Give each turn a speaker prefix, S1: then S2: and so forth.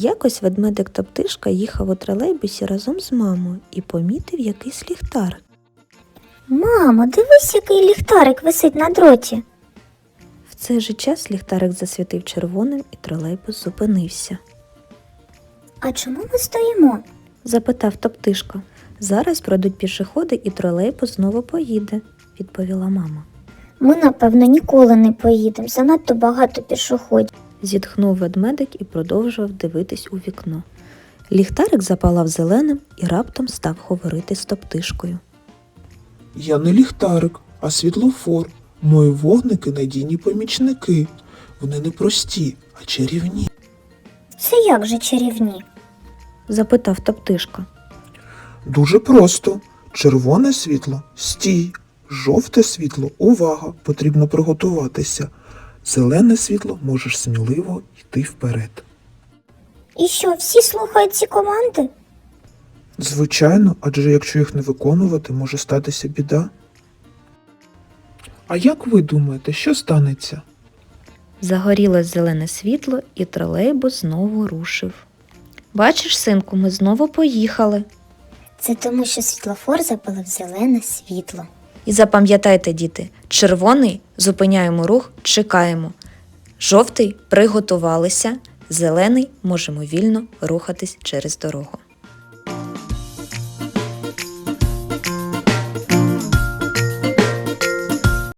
S1: Якось ведмедик Топтишка їхав у тролейбусі разом з мамою і помітив якийсь ліхтар.
S2: Мамо, дивись, який ліхтарик висить на дроті.
S1: В цей же час ліхтарик засвітив червоним і тролейбус зупинився.
S2: А чому ми стоїмо?
S1: Запитав Топтишка. Зараз пройдуть пішоходи і тролейбус знову поїде, відповіла мама.
S2: Ми, напевно, ніколи не поїдемо, занадто багато пішоходів.
S1: Зітхнув ведмедик і продовжував дивитись у вікно. Ліхтарик запалав зеленим і раптом став говорити з Топтишкою.
S3: Я не ліхтарик, а світлофор. Мої вогники – надійні помічники. Вони не прості, а чарівні.
S2: Це як же чарівні?
S1: Запитав Топтишка.
S3: Дуже просто. Червоне світло – стій. Жовте світло – увага, потрібно приготуватися. Зелене світло – можеш сміливо йти вперед.
S2: І що, всі слухають ці команди?
S3: Звичайно, адже якщо їх не виконувати, може статися біда. А як ви думаєте, що станеться?
S1: Загорілось зелене світло і тролейбус знову рушив. Бачиш, синку, ми знову поїхали.
S2: Це тому, що світлофор запалив зелене світло.
S1: І запам'ятайте, діти, червоний – зупиняємо рух, чекаємо. Жовтий – приготувалися, зелений – можемо вільно рухатись через дорогу.